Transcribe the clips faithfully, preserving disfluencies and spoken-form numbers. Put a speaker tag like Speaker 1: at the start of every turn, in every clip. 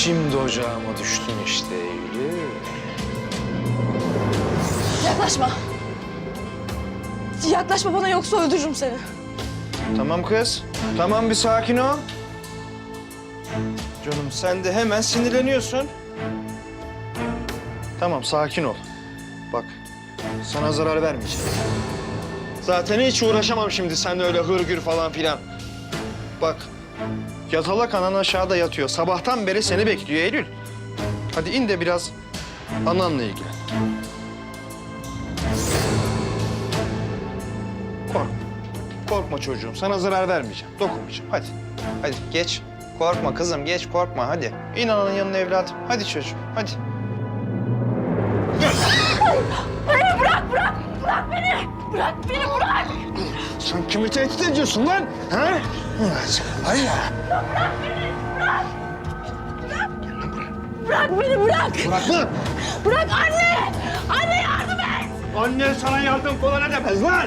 Speaker 1: Şimdi ocağıma düştün işte Eylül.
Speaker 2: Yaklaşma. Yaklaşma bana yoksa öldürürüm seni.
Speaker 1: Tamam kız. Tamam bir sakin ol. Canım sen de hemen sinirleniyorsun. Tamam sakin ol. Bak sana zarar vermeyeceğim. Zaten hiç uğraşamam şimdi seninle öyle hırgür falan filan. Bak yatalak anan aşağıda yatıyor. Sabahtan beri seni bekliyor Eylül. Hadi in de biraz ananla ilgilen. Korkma. Korkma çocuğum. Sana zarar vermeyeceğim. Dokunmayacağım. Hadi. Hadi geç. Korkma kızım. Geç korkma. Hadi. İn ananın yanına evladım. Hadi çocuğum. Hadi.
Speaker 2: Beni bırak, bırak! Bırak beni! Bırak beni, bırak!
Speaker 1: Sen kimi tehdit ediyorsun lan? Ha? Hayır.
Speaker 2: Bırak beni, bırak! Bırak beni, bırak!
Speaker 1: Bırak lan.
Speaker 2: Bırak anne! Anne yardım et!
Speaker 1: Annen sana yardım falan edemez lan.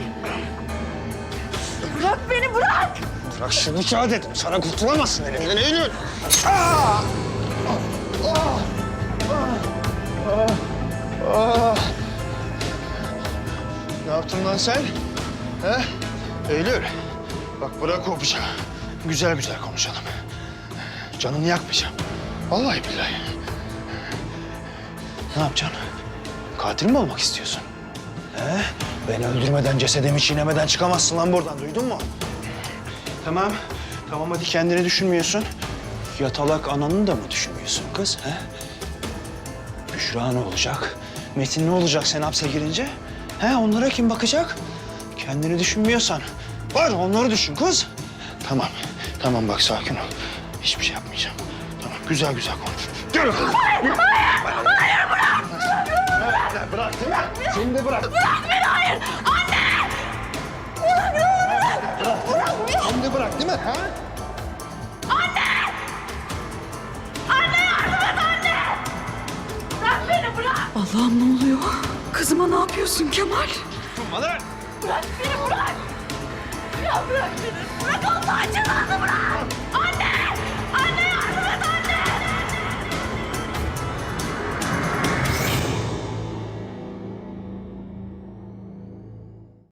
Speaker 2: Bırak beni, bırak!
Speaker 1: Bırak şunu kağıt dedim. Sana kurtulamazsın elimden Eylül. Aa! Aa! Aa! Aa! Ne yaptın lan sen? He? Eylül. Bak bırak o bıçağı. Güzel güzel konuşalım. Canını yakmayacağım. Vallahi billahi. Ne yapacaksın? Katil mi olmak istiyorsun? He? Beni öldürmeden, cesedimi çiğnemeden çıkamazsın lan buradan. Duydun mu? Tamam. Tamam hadi kendini düşünmüyorsun. Yatalak ananı da mı düşünmüyorsun kız? He? Büşra ne olacak? Metin ne olacak sen hapse girince? He onlara kim bakacak? Kendini düşünmüyorsan var onları düşün kız. Tamam. Tamam bak sakin ol. Hiçbir şey yapmayacağım. Tamam güzel güzel konuş. Gel.
Speaker 2: Hayır, hayır, hayır bırak!
Speaker 1: Bırak, bırak değil mi? Şimdi bırak.
Speaker 2: Bırak beni, hayır! Anne! Bırak, bırak! Bırak beni!
Speaker 1: Şimdi bırak değil mi? Ha?
Speaker 2: Anne! Anne yardım et anne! Bırak beni, bırak!
Speaker 3: Allah'ım ne oluyor? Kızıma ne yapıyorsun Kemal?
Speaker 1: Tutma lan.
Speaker 2: Bırak beni, bırak! Ya bırak beni! Bırak Allah'ın cezası bırak!